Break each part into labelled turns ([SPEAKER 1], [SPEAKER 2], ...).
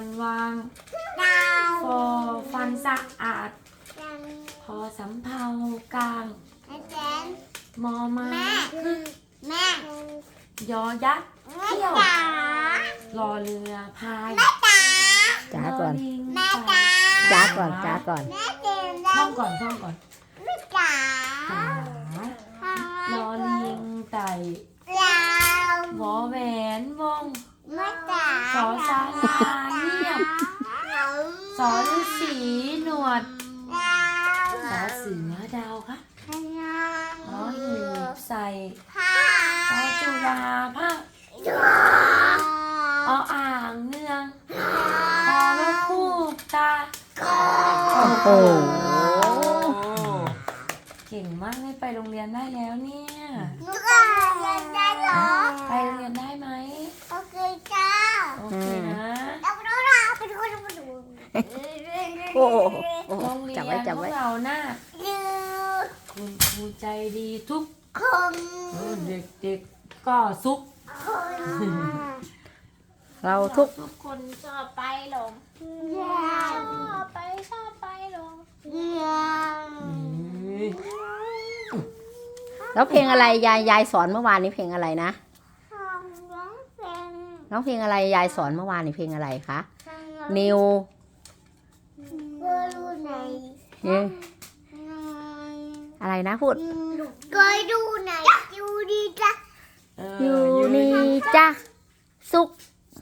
[SPEAKER 1] อนวางฟอฟันสะอาดพอสำเภากลางมอมาพึ่งยอยักษ์เที่ยวรอเรือพาย
[SPEAKER 2] จ้าก่อน
[SPEAKER 1] ลิง
[SPEAKER 2] จ้าก่อนจ้าก่อน
[SPEAKER 1] ท่องก่อนจ๋ารอลิงไต่วอแหวนวงสอสาราเงียบสอฤาษีหนวดสอเสือดาวค่ะหอหีบใส่สอจุฬาภาคออ่างเนืองพอว่าคู่ตา
[SPEAKER 2] โอ้โห
[SPEAKER 1] เก่งมากเลยไปโรงเรียนได้แล้วเนี่ยไปโรงเรียนได้ไหมโอเคนะ
[SPEAKER 2] โอ้โห
[SPEAKER 1] โรงเรีย
[SPEAKER 2] จับ
[SPEAKER 1] น
[SPEAKER 2] ไว้จับ
[SPEAKER 1] พว
[SPEAKER 2] ไว้
[SPEAKER 1] กเราน่ะคุณครูใจดีทุกเด็กๆก็สุข
[SPEAKER 2] เราทุก
[SPEAKER 1] ทุกคนชอบไปหลงชอบไปหลง
[SPEAKER 2] แล้วเพลงอะไรยายสอนเมื่อวานนี้เพลงอะไรนะน้องเพลงอะไรยายสอนเมื่อวานนี้เพลงอะไรคะนิวอะไรนะพูดอยู่นี่จ้ะสุข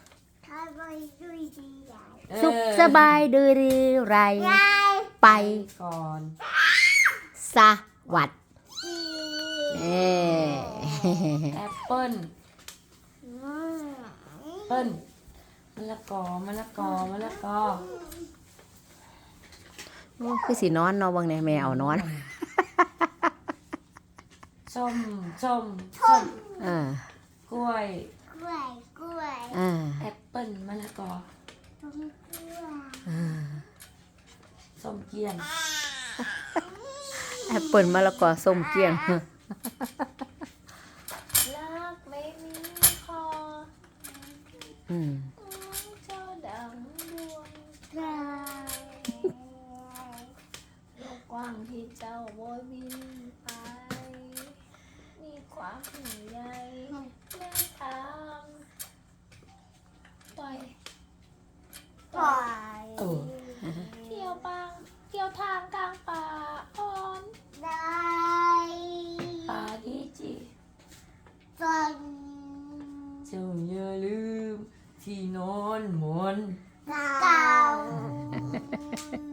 [SPEAKER 2] สบายดือไรไป
[SPEAKER 1] ก่อน
[SPEAKER 2] สวัสดี
[SPEAKER 1] แอปเปิ้ลเปิ้ลมะละกอ
[SPEAKER 2] โอ้คือสีนอนเนาะบางเนี่ยแมวนอน
[SPEAKER 1] ส้ม
[SPEAKER 2] อ่าก
[SPEAKER 1] ล้วย
[SPEAKER 2] อ่า
[SPEAKER 1] แอปเปิ้ลมะละกอ
[SPEAKER 2] อ่า
[SPEAKER 1] ส้มเกี้ยน
[SPEAKER 2] แอปเปิลมะละกอส้มเกี้ยง
[SPEAKER 1] รักไม่มีคอ
[SPEAKER 2] อืม
[SPEAKER 1] เจ้าดังดวงใจโลกกว้างที่เจ้าโบยบินไปมีความห่วงใยแม่ทางปล่อยเที่ยวทางกลางป่าอ่อนป่าดีจีเจ้าอย่าลืมที่นอนหมอน